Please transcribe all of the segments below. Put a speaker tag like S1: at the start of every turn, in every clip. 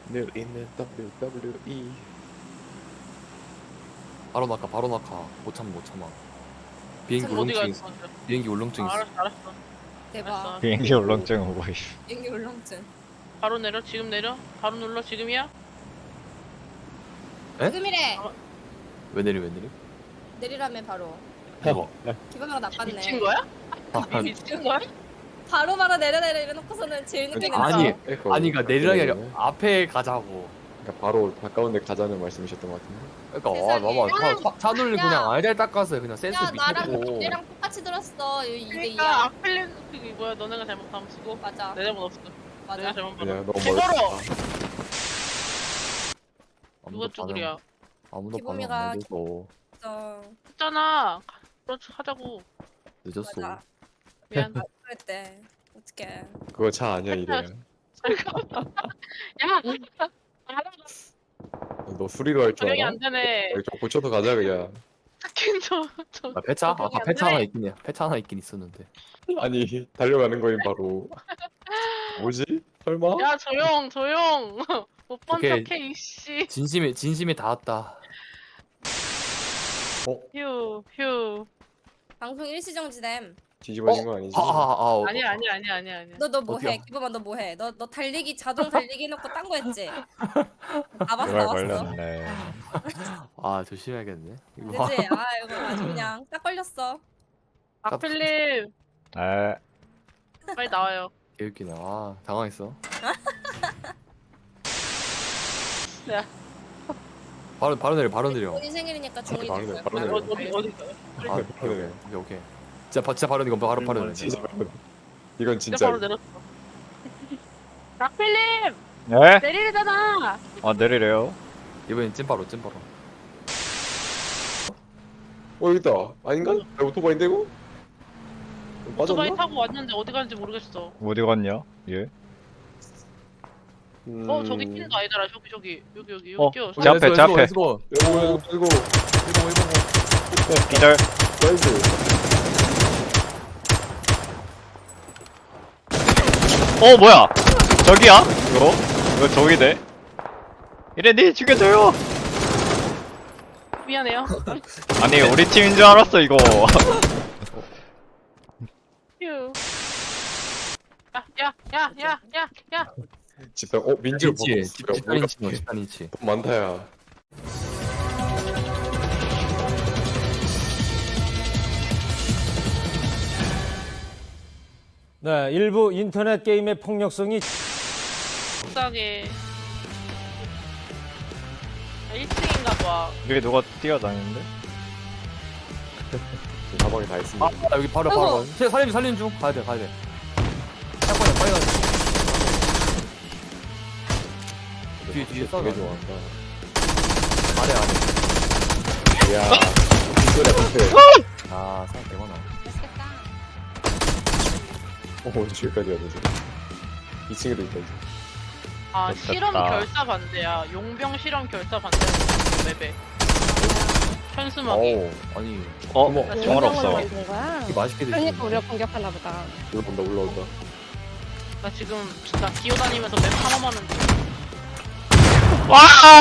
S1: 늘 있는 WWE.
S2: 바로 낙하 바로 낙하 못 참아 못 참아. 비행기
S3: 참 어디가
S2: 울렁증 있어.
S3: 있어?
S2: 비행기 울렁증 있어.
S3: 알았어 알았어.
S4: 대박.
S3: 알았어.
S5: 비행기 울렁증 오고 있어.
S4: 비행기 울렁증.
S3: 바로 내려. 지금 내려. 바로 눌러. 지금이야?
S2: 에?
S4: 지금이래.
S2: 왜 내리 왜 내리?
S4: 내리라면 바로.
S2: 대박.
S4: 기분가 나빴네.
S3: 미친 거야?
S2: 아,
S3: 미친 거야?
S4: 바로 내려 이래놓고서는 제일 늦게 내려.
S2: 아니
S1: 에코.
S2: 아니가 내리라기 아니라
S1: 네.
S2: 앞에 가자고.
S1: 그러니까 바로 가까운 데 가자는 말씀이셨던 것 같은데.
S2: 그러니까
S4: 세상에.
S2: 봐봐 차눈을
S4: 야.
S2: 그냥 알잘 닦았어요. 그냥 센스
S4: 야 나랑
S2: 미쳤고.
S4: 얘랑 똑같이 들었어. 2대2야.
S3: 그러니까 아펠린 그게 뭐야? 너네가 잘못하면 쓰고
S4: 맞아.
S3: 내 잘못 없어.
S4: 맞아.
S3: 내가 잘못
S1: 그냥
S3: 받아.
S1: 너무
S3: 개벌어.
S1: 멀었다.
S3: 누가 쭈그려?
S2: 아무도 반응
S4: 기범이가
S2: 안 해줘서
S4: 맞아.
S3: 했잖아. 그렇지 하자고.
S2: 늦었어.
S4: 맞아.
S3: 미안.
S4: 그랬대. 어떡해.
S1: 그거 차 아니야 이래.
S3: 야. 알아.
S1: 너 수리로 할 줄
S3: 적용이
S1: 알아?
S3: 안 되네.
S1: 여기 좀 고쳐서 가자 그냥.
S3: 스킨 저.
S2: 아, 폐차?
S3: 적용이
S2: 아까
S3: 안
S2: 폐차
S3: 돼.
S2: 하나 있긴 해. 폐차 하나 있긴 있었는데.
S1: 아니 달려가는 거임 바로. 뭐지? 설마?
S3: 야 조용. 못 본
S2: 오케이.
S3: 척해 이씨.
S2: 진심이 닿았다.
S3: 휴.
S4: 방송 일시정지됨.
S1: 뒤집어진 거 아니지?
S3: 아니야.
S4: 너 뭐해?
S2: 어디야?
S4: 기범아 너 뭐해? 너 달리기 자동 달리기 해놓고 딴 거 했지? 나봤어
S5: 이걸
S4: 나봤어.
S5: 걸렸네.
S2: 아 조심해야겠네. 이거
S4: 그치? 아 이거 아주 그냥 딱 걸렸어.
S3: 아필님
S5: 에,
S3: 빨리 나와요.
S2: 개웃기네. 아 당황했어.
S3: 야
S2: 바로 내려.
S4: 본인 생일이니까 중일이
S1: 바로
S4: 될
S1: 내,
S4: 거야.
S1: 바로 내.
S3: 어디
S2: 아 오케이. 진짜 바로 이거 바로 내려.
S1: 진짜 바로. 이건
S3: 진짜
S1: 진짜.
S3: 바로 내렸어. 아필님
S5: 에?
S3: 내리래잖아.
S5: 내리래요.
S2: 이번엔 찐바로.
S1: 여기 있다. 아닌가? 야, 오토바이인데 이거?
S3: 오토바이
S1: 빠졌나?
S3: 타고 왔는데 어디 가는지 모르겠어.
S5: 어디 갔냐? 예?
S3: 저기 뛰는 거 아니더라. 여기 뛰어.
S5: 제 앞에, 제 앞에.
S1: 이거
S5: 기절.
S1: 나이스.
S5: 뭐야? 저기야? 이거 저기네. 이래니 죽여줘요.
S3: 미안해요.
S5: 아니 우리 팀인 줄 알았어 이거.
S3: 휴. 야.
S1: 집단 민지로
S2: 집단인치.
S1: 돈 많다야.
S6: 네, 일부 인터넷 게임의 폭력성이
S3: 속상해. 1층인가 봐.
S5: 여기 누가 뛰어다니는데?
S1: 가방에 다 있습니다.
S2: 아 여기 바로. 살림 중. 가야 돼. 빨리 가야 돼. 뒤에 싸워.
S1: 되게 좋아한다.
S2: 아래.
S1: 야, 빅소리야 빅소리.
S2: 아 사람 개 많아.
S4: 맛있겠다.
S1: 저기까지 와야 되지. 2층에도 있다 이제.
S3: 아
S5: 됐다.
S3: 실험 결사 반대야. 용병 실험 결사 반대야. 맵에. 현수막이.
S2: 아니
S1: 어머,
S5: 총알 없어.
S7: 만든 거야?
S2: 이렇게 맛있게 드시네.
S7: 그러니까 우리가 공격하나 보다.
S1: 올라온다.
S3: 나 지금 나 기어다니면서 맵 탐험하는 중.
S5: 와!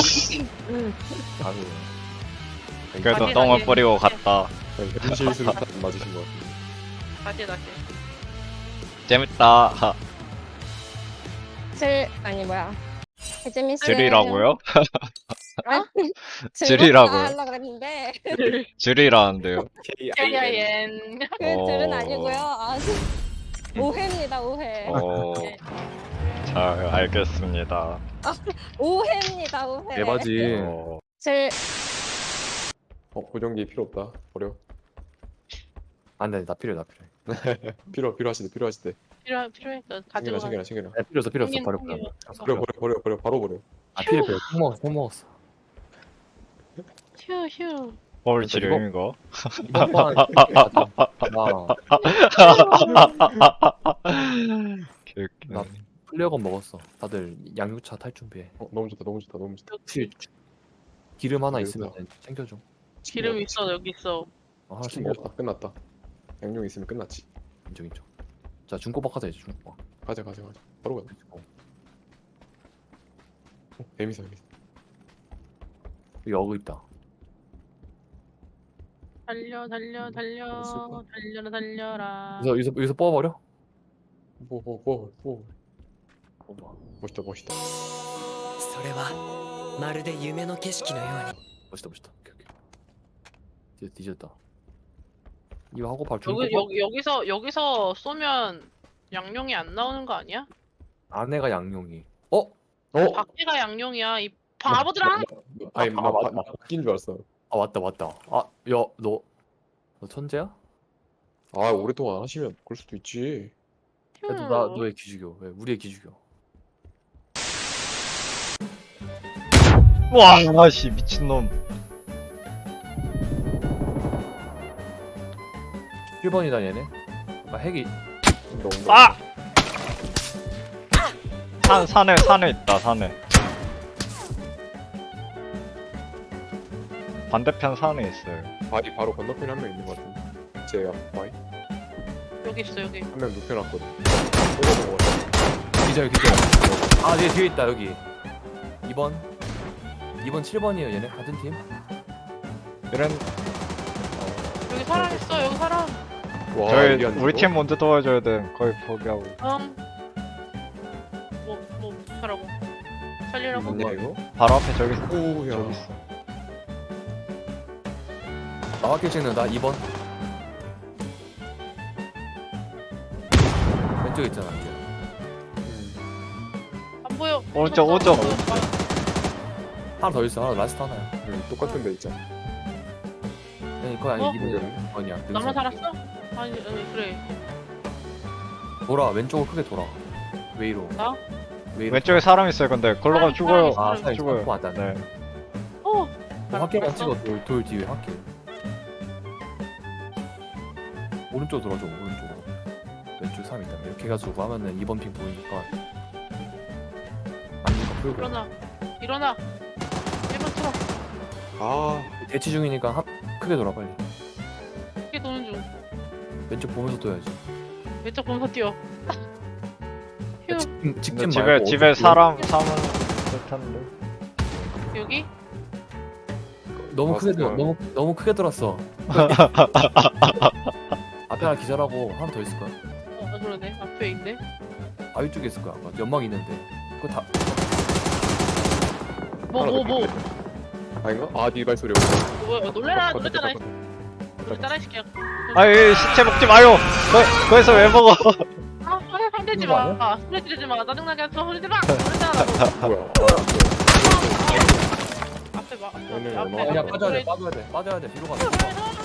S2: 아니
S5: 그래도
S3: 다시,
S5: 똥을
S3: 다시.
S5: 뿌리고 갔다.
S1: 현실 수류탄 맞으신 것 같은데.
S3: 다시.
S5: 재밌다.
S7: 아니 뭐야? 재밌어요.
S5: 줄이라고요?
S7: 즐겁다
S5: 줄이라고요?
S7: 하려고 그랬는데
S5: 줄이라는데요.
S3: KIN.
S7: 그 줄은 아니고요. 오해입니다. 오해.
S5: 잘 알겠습니다.
S7: 오해입니다. 오해.
S2: 대바지.
S7: 질
S1: 보정기 필요 없다. 버려.
S2: 안돼 나 필요해.
S1: 필요하시대.
S3: 필요해. 너 가지고 가.
S1: 챙겨라.
S2: 필요 없어.
S3: 형님,
S2: 버려.
S3: 형님.
S1: 버려. 바로 버려.
S2: 아 필요. 못 먹었어.
S3: 휴.
S5: 뭘 지금 이거?
S2: 이번 판
S5: 개웃기네.
S2: 나 플레어건 먹었어. 다들 양육차 탈 준비해.
S1: 너무 좋다.
S2: 혹시 기름 하나
S1: 여기다.
S2: 있으면 챙겨줘.
S3: 기름 있어 여기 있어.
S2: 하나씩
S1: 치킨
S2: 먹어.
S1: 먹었다. 끝났다. 양용 있으면 끝났지.
S2: 인정. 자 중고박 하자 이제 중고박.
S1: 가자. 바로 가자. 재밌어.
S2: 여기 어그 있다.
S3: 달려 달려 달려 달려라 달려라.
S2: 여기서 뽑아버려.
S1: 뭐. 멋있다.
S8: それはまるで夢の景色のように
S2: 멋있다. 오케이. 뒤졌다. 이거 하고 바로
S3: 여기서 쏘면 양용이 안 나오는 거 아니야?
S2: 아내가 양용이. 어?
S3: 밖에가 양용이야 이 바보들아.
S1: 아니 바뀐 줄 알았어.
S2: 아 맞다. 아, 야, 너 천재야?
S1: 아 오랫동안 하시면 그럴 수도 있지.
S2: 야, 너 왜 기죽여? 왜 우리 애 기죽여?
S5: 와, 씨 미친놈.
S2: 1번이다 얘네. 아 핵이.
S5: 아! 산에 있다, 산에. 반대편 산에 있어요.
S1: 바위 바로 건너편에 한 명 있는 것 같은데. 제 앞 바위
S3: 여기 있어 여기.
S1: 한 명 눕혀놨거든. 뽑아먹었어.
S2: 기절. 아, 얘 뒤에 있다 여기. 2번 7번이에요 얘네 같은 팀.
S5: 이런
S3: 여기 사람 있어 여기 사람.
S1: 와,
S5: 저희
S1: 미안,
S5: 우리
S1: 이거?
S5: 팀 먼저 도와줘야 돼. 거의 포기하고.
S3: 뭐 하라고? 살리라고?
S1: 맞냐 이거?
S5: 바로 앞에 저기 있어.
S1: 오야.
S5: 저기 있어.
S2: 나밖에 찍는다 2번. 왼쪽에 있잖아 이제.
S3: 안 보여.
S5: 오른쪽.
S2: 하나 더 있어. 하나 라스트 하나야.
S1: 똑같은 데 있잖아.
S2: 아니 그거 아니
S3: 어?
S2: 2번이야.
S3: 나만 살았어? 아니 그래.
S2: 돌아 왼쪽으로 크게 돌아. 웨이로.
S3: 나?
S2: 웨이로.
S5: 왼쪽에 사람 있어요. 근데 걸로 가면 죽어요.
S2: 아,
S3: 사람
S5: 죽어요.
S2: 맞다.
S5: 네.
S2: 학교만 찍어. 돌 뒤에 학교. 오른쪽 돌아줘. 오른쪽으로. 왼쪽 3 있다. 이렇게 해가지고 하면은 2번 핑 보이니까. 아니니까 풀고.
S3: 일어나. 1번 틀어.
S1: 아
S2: 대치 중이니까 크게 돌아 빨리.
S3: 크게 도는 중.
S2: 왼쪽 보면서 떠야지.
S3: 왼쪽 보면서 뛰어. 휴.
S2: 직진
S5: 집에
S2: 말고
S5: 집에
S2: 어디-
S5: 사람은 못하는데.
S3: 여기?
S2: 너무 크게
S1: 맞았어.
S2: 너무 크게 들었어. 앞에 하나 기절하고 하나 더 있을 거야.
S3: 그러네. 앞에 있네.
S2: 바위 쪽에 있을 거야. 아까 연막 있는데. 그거 다
S3: 뭐.
S1: 아닌가? 아네 발소리.
S3: 놀래라. 놀랬잖아. 놀랬잖아 이 새끼야.
S5: 아이 시체 먹지 마요. 거기서 왜 먹어?
S3: 아, 손대지
S2: 그거
S3: 마. 아, 소리 지르지 마. 짜증나게 하지 마. 소리 지르지 마. 그랬잖아. 너.
S1: 뭐야?
S3: 앞에 봐.
S1: 오늘
S3: 앞에.
S1: 얼마나
S2: 그냥
S3: 앞에
S2: 빠져야 돼.
S3: 소리-
S2: 빠져야 돼. 뒤로 가.